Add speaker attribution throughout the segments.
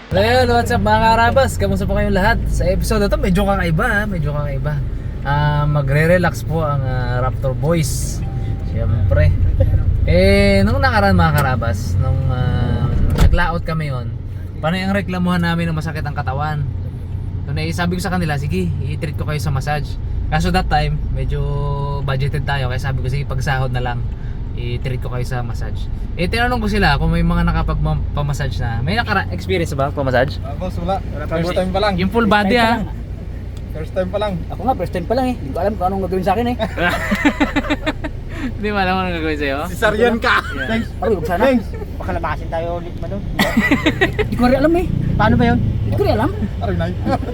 Speaker 1: Ayun, what's up mga karabas? Kamusta po kayong lahat? Sa episode na to, medyo kakaiba. Magre-relax po ang Raptor Boys. Siyempre. Nung nakaraan mga karabas, nung nag-layout kami yon, panay ang reklamuhan namin ng masakit ang katawan. So sabi ko sa kanila, sige, i-treat ko kayo sa massage. Kaso that time, medyo budgeted tayo. Kaya sabi ko, sige, pagsahod na lang, i-treat ko kayo sa massage. Tinanong ko sila kung may mga nakapag-massage na. May experience ba pamassage?
Speaker 2: Boss, wala. First time pa lang.
Speaker 1: Yung full body
Speaker 2: First time pa lang.
Speaker 3: Ako nga, first time pa lang eh. Hindi ko alam kung anong gagawin sa akin eh.
Speaker 1: Hindi mo alam anong gagawin sa'yo?
Speaker 2: Cesarean ka.
Speaker 3: Thanks. Ay, huwag sana. Baka labasin tayo ulit man doon. Hindi ko rin alam eh. Paano ba yun? Hindi ko rin alam.
Speaker 2: Arinay.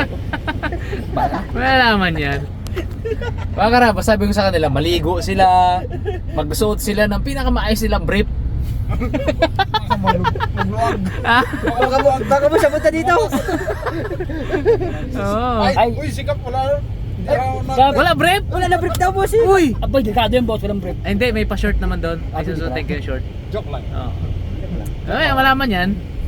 Speaker 1: Wala naman yan. Mga karabas, sabi ko sa kanila, maligo sila, magsuot sila ng pinakamaayos silang brief.
Speaker 2: Magluwag.
Speaker 3: Baka mo siya punta dito.
Speaker 1: Oo.
Speaker 2: Ay, uy, sikap wala.
Speaker 1: Wala brief?
Speaker 3: Wala na brief daw boss eh.
Speaker 1: Uy!
Speaker 3: Abay, delikado yung boss. Walang brief.
Speaker 1: Ay, hindi, may pa-short naman doon. Ay, susuotin ko yung short.
Speaker 2: Joke lang.
Speaker 1: Oo. Ay, malaman yan.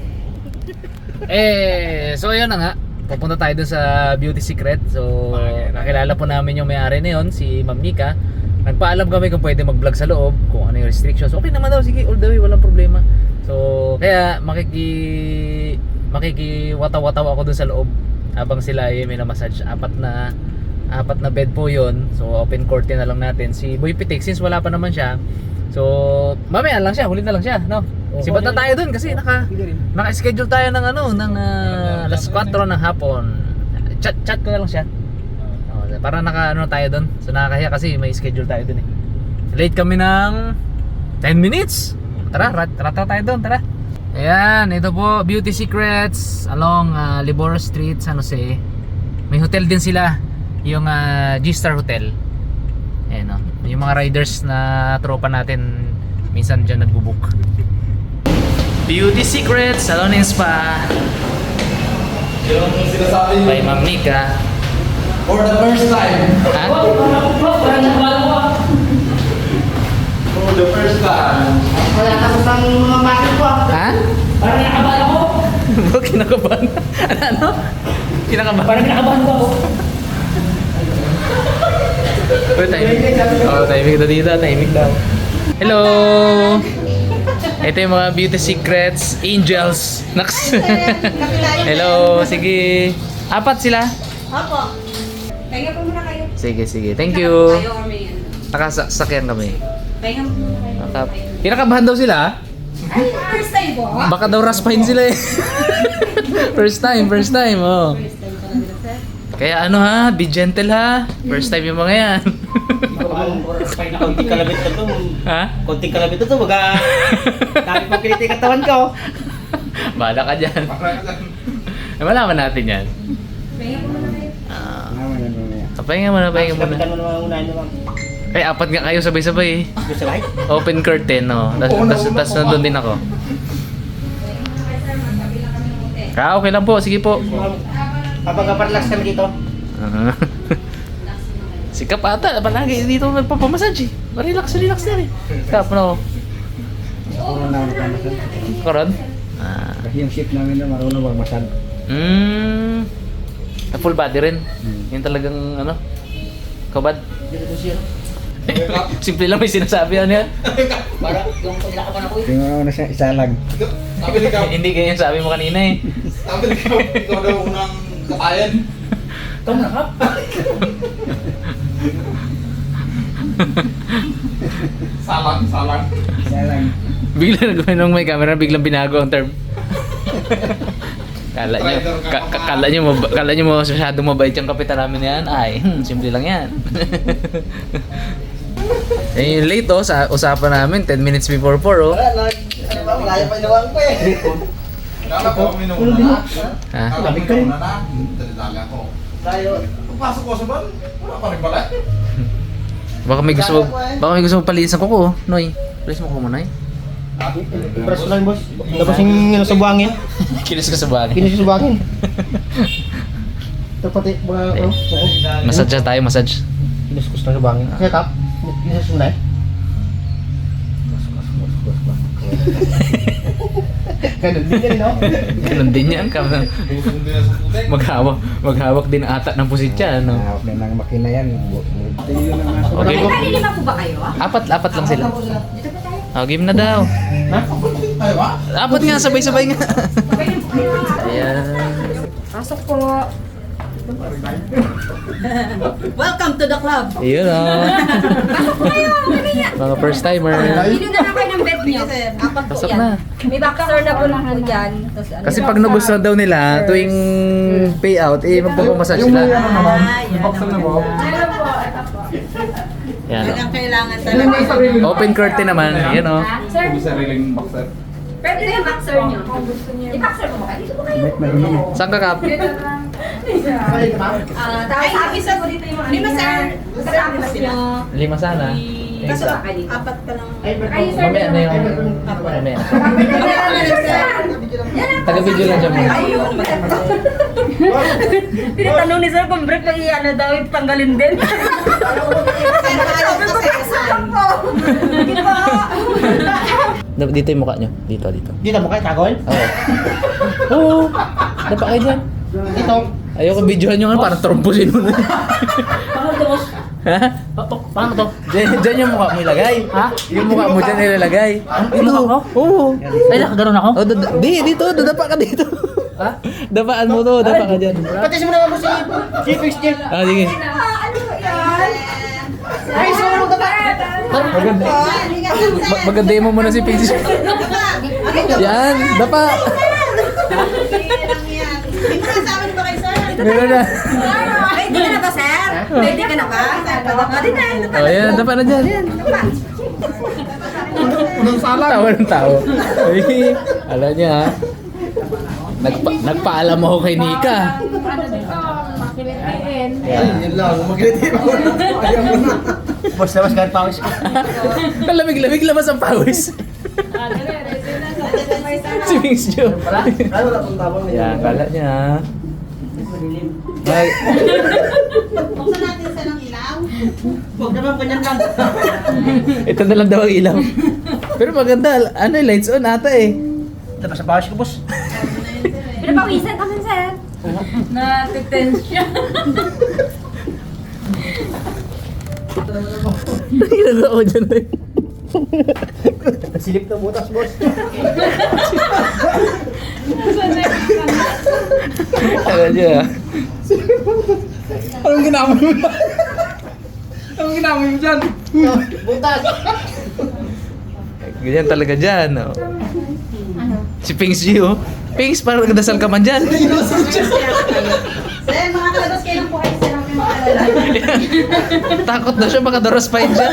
Speaker 1: So yun na nga. Pupunta tayo dun sa Beauty Secret. So, nakilala po namin yung may-ari na yun, si Ma'am Nika. Nagpaalam kami kung pwede mag-vlog sa loob, kung ano yung restrictions. Okay naman daw, sige, all the way, walang problema. So, kaya makikiwataw-wataw ako dun sa loob habang sila ay may na-massage. Apat na bed po yun. So, open curtain na lang natin. Si Boy Pitik, since wala pa naman siya, so, mamaya lang siya, huli na lang siya, no? Sibat na tayo dun kasi naka-schedule tayo ng alas 4 ng hapon. Chat ko na lang siya. Para naka tayo dun. So nakakahiya kasi may schedule tayo dun eh. Late kami ng 10 minutes. Tara tayo dun, tara. Ayan, ito po, Beauty Secrets along Liboro Street, San Jose. May hotel din sila, yung G-Star Hotel. Ayan o, yung mga riders na tropa natin minsan dyan nagbubuk. Beauty Secrets Salon and Spa by Ma'am Nika.
Speaker 2: For the first time.
Speaker 1: Ha?
Speaker 2: For the first time.
Speaker 3: Wala ka sa mga bakit ko ah.
Speaker 1: Ha?
Speaker 3: Parang kinakabahan ako.
Speaker 1: Kinakabahan? Ano? Kinakabahan?
Speaker 3: Parang kinakabahan ko ako.
Speaker 1: Uy, timing. Timing daw dito. Timing daw. Hello! Ito yung mga Beauty Secrets Angels. Naks. Hello, sige. Apat sila?
Speaker 4: Opo. Pahinga po muna kayo.
Speaker 1: Sige. Thank you.
Speaker 4: Kayo or may
Speaker 1: Nakasakyan kami.
Speaker 4: Pahinga po muna kayo.
Speaker 1: Kinakabahan daw sila?
Speaker 4: Ay, first time po.
Speaker 1: Baka daw raspahin sila eh. First time, oh.
Speaker 4: First time pa lang nila, sir.
Speaker 1: Kaya be gentle ha. First time yung mga yan.
Speaker 3: Konting kalabit na to.
Speaker 1: Ha?
Speaker 3: Konting kalabit na to. Dami pang kinitin katawan ko.
Speaker 1: Bahala ka dyan. Malaman natin yan.
Speaker 4: Pahinga po muna kayo.
Speaker 1: Pahinga muna.
Speaker 3: Kapitan mo naman unahin naman.
Speaker 1: Eh, apat nga kayo sabay-sabay eh.
Speaker 3: Gusto ba?
Speaker 1: Open curtain, no? Tas nandun din ako.
Speaker 4: Magkabila kami ng hotel.
Speaker 1: Okay lang po, sige po.
Speaker 3: Kapag-relax kami dito.
Speaker 1: Sikap ata, palagi dito nagpapamassage eh. Relax na eh. Sikap, no? Karon?
Speaker 2: Kasi yung ship namin na marunong magmasal.
Speaker 1: Full body rin. Yung talagang, kabad. Simple lang may sinasabi yan.
Speaker 3: Para yung pagkakapan ako eh.
Speaker 2: Tingnan mo na siya, isa lang.
Speaker 1: Hindi ganyan sabi mo kanina eh.
Speaker 2: Sabi ikaw daw unang kakayan.
Speaker 3: Ito na ka?
Speaker 2: Salang. Isa lang.
Speaker 1: Bigla nagawin nung may camera, biglang binago ang term. Kala nyo masyadong mabait yung kapitan namin yan. Ay, simple lang yan. Yung late sa usapan namin, 10 minutes before 4 oh.
Speaker 3: Malaya pa inawang ko eh.
Speaker 2: Kala ko minuna na.
Speaker 1: Ha?
Speaker 2: Kala ko minuna na. Dali ako.
Speaker 3: Tayo.
Speaker 2: Pagpasok ko sa ban, wala pa rin pala.
Speaker 1: Baka may gusto mo palisan ko ko, Noy. Palis mo ko mo, Noy.
Speaker 3: Press ko lang boss. Tapos yung sa buhangin.
Speaker 1: Kinis ka sa bagay.
Speaker 3: Kinis sa buhangin. Ito pati mga
Speaker 1: Massage tayo, massage.
Speaker 3: Kinis ko sa buhangin. Kaya tap. Kinis mo na eh. Ganun din yan, no?
Speaker 1: Ganun din yan.
Speaker 2: Busong din sa putik.
Speaker 1: Maghawak din ata ng pusitya, no?
Speaker 3: Okay lang makina yan.
Speaker 1: Okay po.
Speaker 4: Lima po ba kayo?
Speaker 1: Apat lang sila.
Speaker 4: Dito po tayo.
Speaker 1: Oh, game na daw.
Speaker 2: Ay, ba?
Speaker 1: Apat nga, sabay-sabay nga.
Speaker 4: Sabay na po kayo.
Speaker 1: Ayan.
Speaker 4: Pasok po. Welcome to the club.
Speaker 1: Ayun oh. Mga first timer.
Speaker 4: Hindi na lang kayo ng bed niyo. Apat po
Speaker 1: Pasok
Speaker 4: yan.
Speaker 1: na.
Speaker 4: May boxer na po lang po dyan. Tapos ano,
Speaker 1: Kasi pag nagustuhan daw nila, tuwing payout, eh magpapamassage sila. Yan oh.
Speaker 4: kailangan talaga.
Speaker 1: Open curtain naman. Yan oh.
Speaker 4: Sir,
Speaker 2: May sariling boxer.
Speaker 4: pwede yung boxer niyo. I-boxer mo ba? Dito po kayo.
Speaker 1: Saan ka, Kap?
Speaker 4: Tapos isa po dito yung mga lima, sir. Tapos nyo.
Speaker 1: 5 sana.
Speaker 4: Kaso apat pa lang.
Speaker 1: Mamaya na yung... Mamaya na. Taga-video lang siya muna.
Speaker 5: Tinatanong ni sir kung break pa ano daw, tanggalin din.
Speaker 1: Dito yung mukha nyo. Dito.
Speaker 3: Dito mo kayo, tagol?
Speaker 1: Oo. Dapa kayo dyan.
Speaker 3: Dito.
Speaker 1: Ayoko videohan nyo nga, parang trompusin mo na.
Speaker 5: Paano to, boss?
Speaker 1: Ha?
Speaker 5: Paano to?
Speaker 1: Diyan yung mukha mo ilagay.
Speaker 5: Ha?
Speaker 1: Yung mukha mo dyan ilalagay.
Speaker 5: Yung mukha ko?
Speaker 1: Oo.
Speaker 5: Ay, nakaganon ako?
Speaker 1: Oh, dito, dadapa ka dito.
Speaker 5: Ha?
Speaker 1: Dapaan mo to, dapa ka dyan.
Speaker 3: Pati mo naman mo si Fix Jeff.
Speaker 1: Ah, sige.
Speaker 4: Ano ba yan?
Speaker 3: Ay, sumulong ka ba?
Speaker 1: Maganda. Maganda mo muna si Pinky. Yan, dapa. Meron na.
Speaker 4: Ready ka na ba, sir? Ready ka na ba? Ready na.
Speaker 1: Oh, yan, dapa na dyan.
Speaker 2: Unang salang.
Speaker 1: Tawa ng tao. Ay, alam niya ha. Nagpaalam ako kay Nika.
Speaker 2: Yun lang. Mag-ready mo. Ayaw mo na.
Speaker 3: Boss, labas kahit pawis ko.
Speaker 1: Lamig-lamig labas ang pawis. Si Mings Jo.
Speaker 3: Ay, wala pong tabang.
Speaker 1: Yan, kala niya ha. Ay,
Speaker 4: Buksan natin sa ng ilaw.
Speaker 3: Huwag naman ganyan lang.
Speaker 1: ito na lang daw ang ilaw. Pero maganda, ano lights on ata eh.
Speaker 3: Labas ang pawis ko, boss.
Speaker 4: Pinapawisan kami, sir.
Speaker 5: Natitense siya.
Speaker 1: Ginagawa ko dyan eh.
Speaker 3: Silip na butas, boss.
Speaker 1: Kala niya ha.
Speaker 2: Anong ginawa mo? Anong ginawa mo dyan?
Speaker 3: Butas.
Speaker 1: Ganyan talaga dyan. Oh. Si Pings G oh. Pings, parang nagdasal ka man dyan.
Speaker 4: Sir, makakalabas kayo ng puhay, sir. Ang maalala.
Speaker 1: Takot na siya, baka doros pa yun dyan.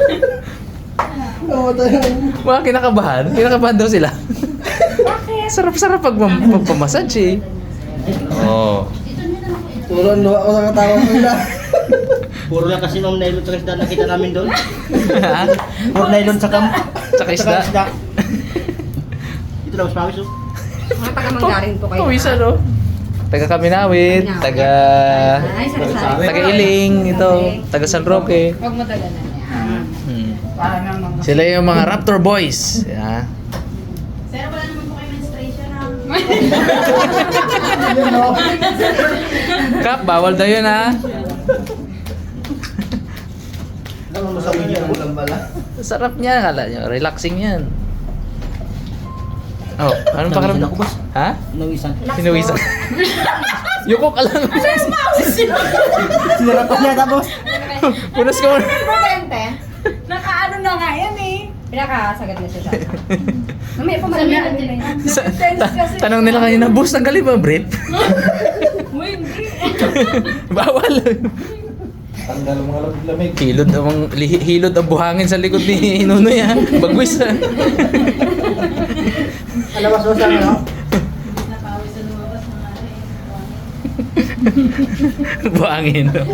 Speaker 1: Mga kinakabahan daw sila. Sarap-sarap pag magpamassage eh. Oh.
Speaker 3: Puro ang luha ko sa katawa ko nila. Puro lang kasi ma'am nylon sa isda nakita namin doon. Puro nylon sa
Speaker 1: Tsaka isda.
Speaker 3: Ito lang mas pawis, oh.
Speaker 4: Mga taga-manggarin po kayo.
Speaker 1: Pawisan oh. Taga Kaminawit, taga
Speaker 4: Ay, sari-sari.
Speaker 1: taga Iling, ito, taga San Roque.
Speaker 4: Huwag mo tagalan yan.
Speaker 1: Sila yung mga Raptor Boys. Yeah.
Speaker 4: Sir, wala naman po kayo menstruation, ha?
Speaker 1: Kap, bawal daw yun ha.
Speaker 3: Ano mo sa video lang pala?
Speaker 1: Sarap niya, kala nyo. Relaxing yan. Oh, anong pakiramdam?
Speaker 3: Nawisan ako, boss.
Speaker 1: Ha?
Speaker 3: Nawisan.
Speaker 1: Sinuwisan. Yuko ka lang.
Speaker 3: Sinarapan niya tapos.
Speaker 1: Punas ka muna.
Speaker 4: Importante.
Speaker 5: Nakaano na nga yan eh.
Speaker 4: Pinakasagat na siya sa mamaya po marami din na
Speaker 1: Tanong nila kanina, boss, tanggalin ba ang brief?
Speaker 5: Uy, hindi.
Speaker 1: Bawal.
Speaker 2: Tanggal ang mga lamig.
Speaker 1: Hilod ang buhangin sa likod ni Nunoy ha. Bagwis ha.
Speaker 3: Alam mo sa ano?
Speaker 1: Buhangin. No?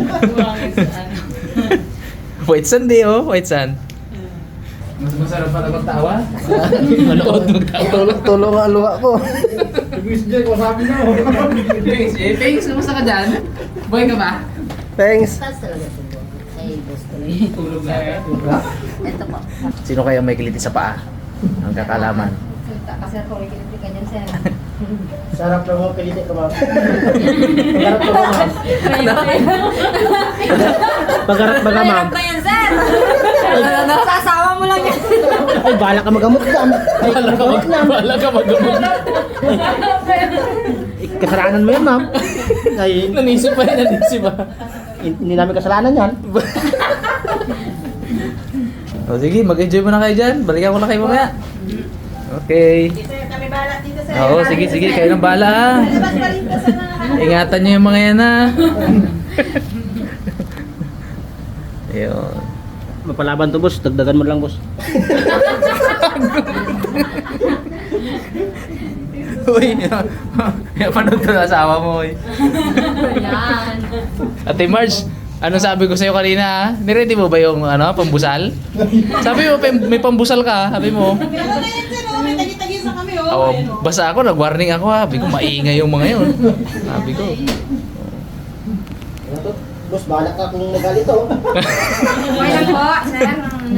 Speaker 1: White sand eh oh, white sand. Mas masarap pala magtawa. Manood magtawa.
Speaker 3: Tulong ang luha ko.
Speaker 2: Luis J, wasabi na.
Speaker 1: Pings, kamusta ka dyan? Boy ka ba?
Speaker 3: Thanks.
Speaker 5: Tas talaga ito. Ay, gusto na
Speaker 1: Tulog na.
Speaker 5: Ito po.
Speaker 1: Sino kaya may kiliti sa paa? Ang kakalaman.
Speaker 4: Salita ka, sir, kung ikiniti ka dyan, sir.
Speaker 3: Sarap lang mo, pilite ka ma'am. Pagharap ka ba ma'am? Pagharap ba ka ma'am?
Speaker 4: Mahirap ba yan, sir? Sa asawa mo lang yan.
Speaker 3: Ay, bala ka magamot dyan. Ay, magamot na.
Speaker 1: Wala ka magamot.
Speaker 3: Kasalanan mo yan ma'am. Ay,
Speaker 1: Nanisip pa yan, nanisip pa.
Speaker 3: hindi namin kasalanan yan.
Speaker 1: O sige, mag-enjoy muna kayo dyan. Balikan ko na kayo mamaya. Okay.
Speaker 4: Sir, kami balat dito, sir.
Speaker 1: Oo, sige, sige. Kayo ng bala ha.
Speaker 4: Labas pa rin ka sa mga...
Speaker 1: Ingatan nyo yung mga yan ha. Ayun.
Speaker 3: Mapalaban to boss, dagdagan mo lang boss.
Speaker 1: Uy, panood to na asawa mo. Uy.
Speaker 4: Yan.
Speaker 1: Ate Marge, ano sabi ko sa'yo kanina ha? Niready mo ba yung pambusal? Sabi mo, may pambusal ka, sabi mo.
Speaker 4: Pero na yan, sir. May tagi-tagi sa kami,
Speaker 1: Oh, basta ako, nag-warning ako ha. Sabi ko, maingay yung mga yun. Sabi ko.
Speaker 3: Ano to? Boss, bahala ka kung magalit to.
Speaker 4: Okay lang po, sir.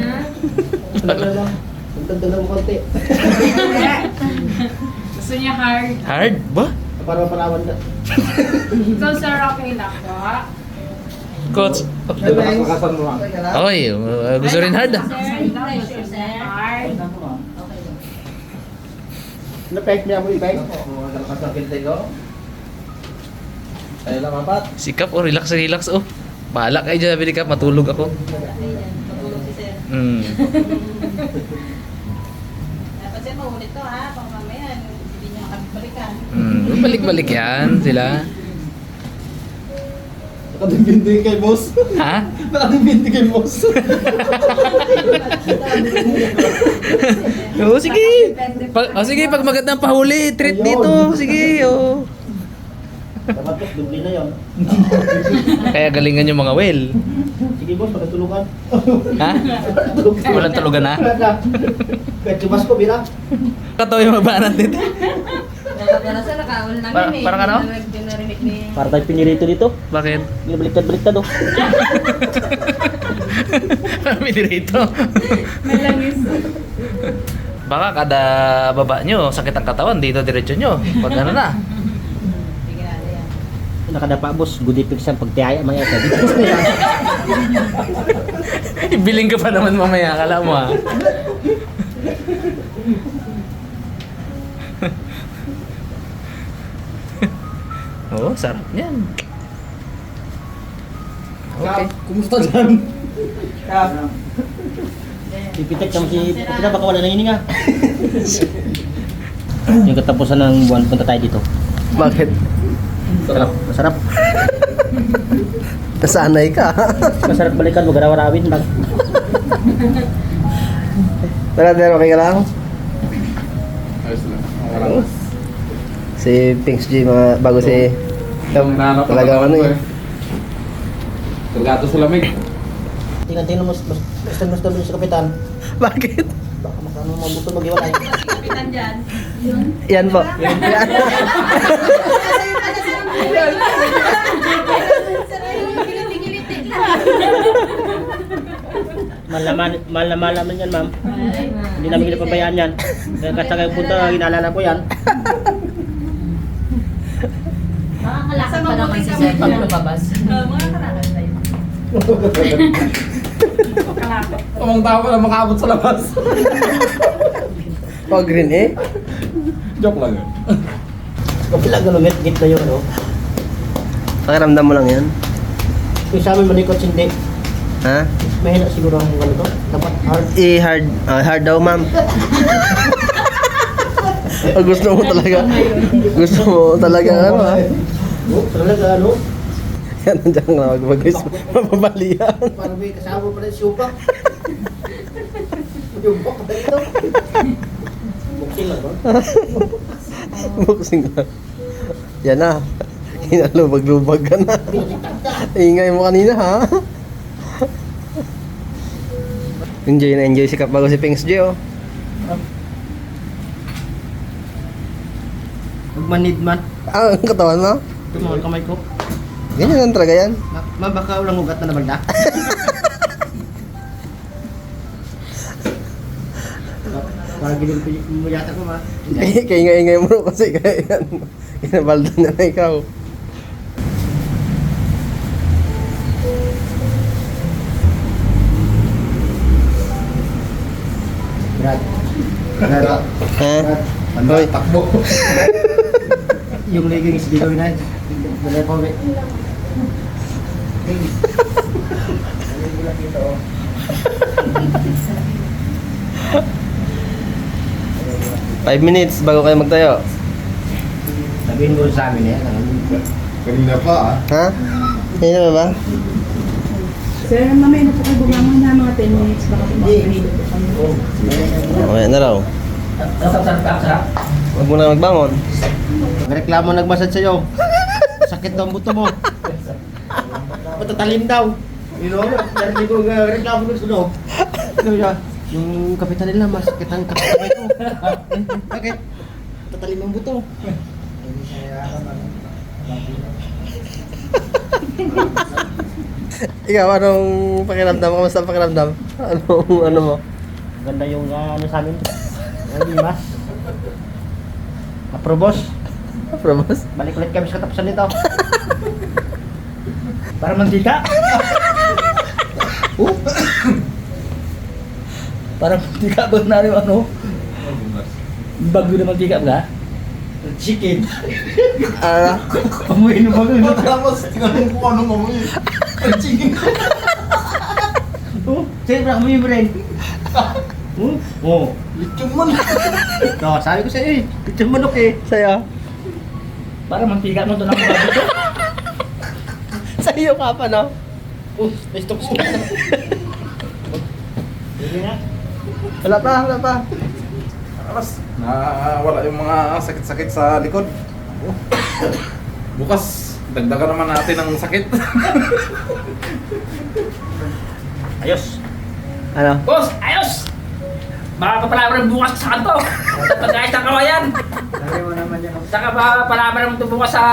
Speaker 3: Dagdagan mo konti.
Speaker 5: Gusto niya hard.
Speaker 1: Hard ba?
Speaker 3: Para mapalaban ka.
Speaker 5: So, sir, okay lang po.
Speaker 1: Coach.
Speaker 2: Nakakasan mo lang.
Speaker 1: Okay, gusto rin hard ah.
Speaker 5: Sir, sir. Hard.
Speaker 3: Napek niya mo ipek.
Speaker 2: Nakalakas ang kilite ko. Tayo lang apat.
Speaker 1: Sikap, oh, relax, relax, oh. Bahala kayo dyan, Billy Cap, matulog ako.
Speaker 4: Matulog si sir.
Speaker 1: Hmm.
Speaker 4: Dapat sir, maulit to ha. Pang mamaya, hindi niyo makabalikan.
Speaker 1: Balik-balik yan sila.
Speaker 2: Nakadimbindi kay boss.
Speaker 1: Ha?
Speaker 2: Nakadimbindi kay boss.
Speaker 1: Oo, sige. Sige, pag magandang pahuli, treat dito. Sige, oh.
Speaker 3: Dapat boss, dubli na yun.
Speaker 1: Kaya galingan yung mga well.
Speaker 3: Sige boss, pagkatulugan.
Speaker 1: Ha? Walang tulugan na.
Speaker 3: Kahit chubas ko, bira.
Speaker 1: Katawa yung mabanat dito.
Speaker 4: Pero sir, nakaul lang
Speaker 1: Parang-
Speaker 4: yun eh.
Speaker 1: parang ano?
Speaker 4: Hindi na narinig ni...
Speaker 3: Para tayo pinirito dito.
Speaker 1: Bakit?
Speaker 3: Baliktad-baliktad oh.
Speaker 1: Kami dito.
Speaker 5: Malangis.
Speaker 1: Baka kada baba nyo, sakit ang katawan, dito diretso nyo. Pag ano na.
Speaker 4: Bigyan na yan.
Speaker 3: Nakadapa boss, good effects ang pagtiyaya mga ito.
Speaker 1: Ibiling ka pa naman mamaya, kala mo ha. Oo, sarap niyan. Okay.
Speaker 2: Kumusta dyan? Kap.
Speaker 3: Pipitek naman si Pupita, baka wala nang hininga. Yung katapusan ng buwan, punta tayo dito.
Speaker 1: Bakit?
Speaker 3: Masarap, masarap.
Speaker 1: Nasanay ka.
Speaker 3: Masarap balikan, wag araw-arawin.
Speaker 1: Tara, okay ka lang?
Speaker 2: Ayos lang. Ang
Speaker 6: Si Pinks G, mga bago si talagang ano eh.
Speaker 2: Tulgato sa lamig.
Speaker 3: Tingnan-tingnan mo, mas doon sa kapitan.
Speaker 1: Bakit?
Speaker 3: Baka makano mabuto mag-iwalay.
Speaker 4: Si Kapitan dyan.
Speaker 6: Yan po.
Speaker 4: Sir, ayun, giliti-giliti lang.
Speaker 3: Malaman yan, ma'am. Hindi namin pinapabayaan yan. Kaya kasagay punta, ginaalala ko yan.
Speaker 4: Makakalakad pa naman si sir pag lumabas. Mga kalakad tayo.
Speaker 2: Amang tao ka na makaabot sa labas.
Speaker 6: Oh, green eh.
Speaker 2: Joke lang yun.
Speaker 3: Kapila galungit, git na yun, no?
Speaker 6: Pakiramdam mo lang yan.
Speaker 3: Yung sa amin malikot, hindi.
Speaker 6: Ha?
Speaker 3: Mahina siguro ang ganito. Dapat hard.
Speaker 6: I-hard. Hard daw, ma'am. Oh, gusto mo talaga. Gusto mo talaga ano ha?
Speaker 3: Oh, talaga, ano?
Speaker 6: Yan, nandiyan ka na mag-guys. Mapabalian.
Speaker 3: Parang may kasama pa rin supak. Yung bak ba ito? Buksin lang ba?
Speaker 6: Boxing lang. Yan na. Hinalubag-lubag ka na. Ingay mo kanina ha. Enjoy na enjoy si Kap bago si Pinks G oh.
Speaker 3: Magmanid man.
Speaker 6: Ah, ang katawan mo?
Speaker 3: Ito mga kamay ko.
Speaker 6: Ganyan lang talaga yan.
Speaker 3: Ma, baka walang ugat na nabalda. Parang ginilipin mo yata ko, ma.
Speaker 6: Kaya ingay-ingay mo kasi kaya yan. Inabaldo na na ikaw.
Speaker 3: Brad. Brad.
Speaker 6: Ha?
Speaker 3: Hoy, takbo. Yung leggings di gawin na. Dala ko, be.
Speaker 6: 5 minutes bago kayo magtayo.
Speaker 3: Sabihin mo sa amin yan.
Speaker 2: Kanina pa ah.
Speaker 6: Ha? Hindi na ba?
Speaker 4: Sir, mamaya na po kayo bumangon na mga 10 minutes. Baka po makapanido po kami.
Speaker 6: Mamaya na raw. Huwag mo na magbangon.
Speaker 3: Reklamo nagmasad sa'yo. Sakit daw ang buto mo. Matatalim daw. You know, narinig ko reklamo ko sa'yo. Ano siya? Yung kapitan nila, masakit ang kapitan ko. Bakit? Matatalim ang buto.
Speaker 6: Ikaw, anong pakiramdam? Kamusta ang pakiramdam? Ano mo?
Speaker 3: Ganda yung ano sa amin. Ano mas? Aprobos.
Speaker 6: Probos?
Speaker 3: Balik ulit kami sa katapusan nito. Para mantika.
Speaker 2: Para mantika ba na rin ano? Bago na mantika ba?
Speaker 3: Chicken.
Speaker 6: Ah,
Speaker 3: Pamuhin mo bago.
Speaker 2: Tapos, tingnan mo kung anong amoy. Chicken.
Speaker 3: Siyempre ako mo rin. Oo.
Speaker 2: Lechon man.
Speaker 3: No, sabi ko sa'yo eh. Pitsang manok eh.
Speaker 6: sa'yo?
Speaker 2: Para mantika mo ito ng bago ito.
Speaker 6: Sa'yo ka pa, no?
Speaker 3: May stock ko. Hindi na.
Speaker 6: Wala pa.
Speaker 2: Alas, wala yung mga sakit-sakit sa likod. Bukas, dagdagan naman natin ng sakit.
Speaker 3: Ayos.
Speaker 6: Ano?
Speaker 2: Boss, ayos! Makakapalaban bukas sa kanto. Sa pag-ayos ng kawayan.
Speaker 3: Sabi mo naman yan.
Speaker 2: Saka palaban mo ito bukas sa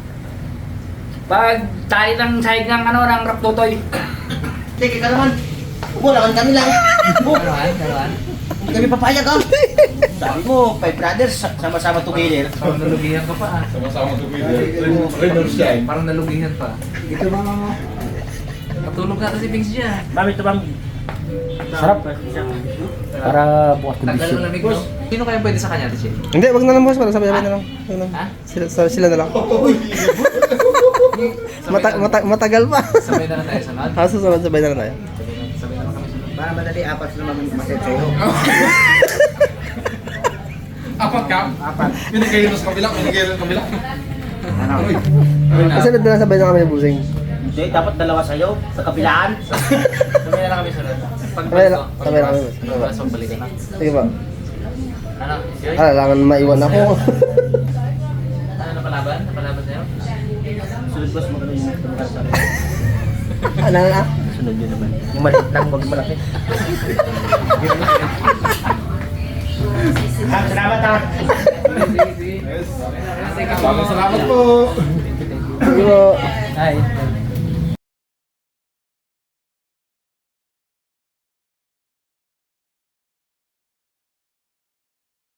Speaker 2: pag tali ng sahig ng ano ng raptotoy.
Speaker 3: Sige ka naman. Umulangan kami lang.
Speaker 1: Karoan?
Speaker 3: Hindi kami papayag ah. Sabi mo, 5 brothers, sama-sama together.
Speaker 1: Parang nalugihan ka pa ah.
Speaker 2: Sama-sama sa video.
Speaker 1: Parang nalugihan pa.
Speaker 3: Ito mga mo.
Speaker 1: Patulog na kasi Pings dyan.
Speaker 3: Mami, ito bang sarap. Para bukas
Speaker 1: Tagal mo lamig, no? Sino kaya pwede sa kanya, Tichi?
Speaker 6: Hindi, wag na lang boss. Sabay-sabay na lang. Wag na.
Speaker 1: Ha?
Speaker 6: Sila na lang. Matagal pa.
Speaker 1: Sabay na lang tayo sa nod.
Speaker 6: Susunod, sabay na lang tayo.
Speaker 1: Sabay na lang kami sunod.
Speaker 3: Para madali, 4 naman maset sa'yo.
Speaker 2: Apat ka?
Speaker 3: Apat.
Speaker 2: Pinigay sa kabilang, pinigay sa kabilang.
Speaker 3: Ano?
Speaker 6: Kasunod na lang sabay na kami ng busing.
Speaker 3: Hindi, dapat dalawa sa'yo, sa kabilaan.
Speaker 1: Sabay na lang kami sunod.
Speaker 6: Sabay na kami.
Speaker 1: Pagbukas, magbalik ka na.
Speaker 6: Sige ba?
Speaker 1: Ano? Yun?
Speaker 6: Kailangan maiwan ako.
Speaker 1: Ano napalaban? Napalaban sa'yo?
Speaker 3: Sunod boss, magano yung tumulad sa akin.
Speaker 6: Ano na?
Speaker 3: Sunod yun naman. Yung maliit lang, huwag yung malaki. Salamat ah.
Speaker 1: Sige, sige.
Speaker 2: Yes. Salamat po.
Speaker 6: Sige po.
Speaker 1: Hi.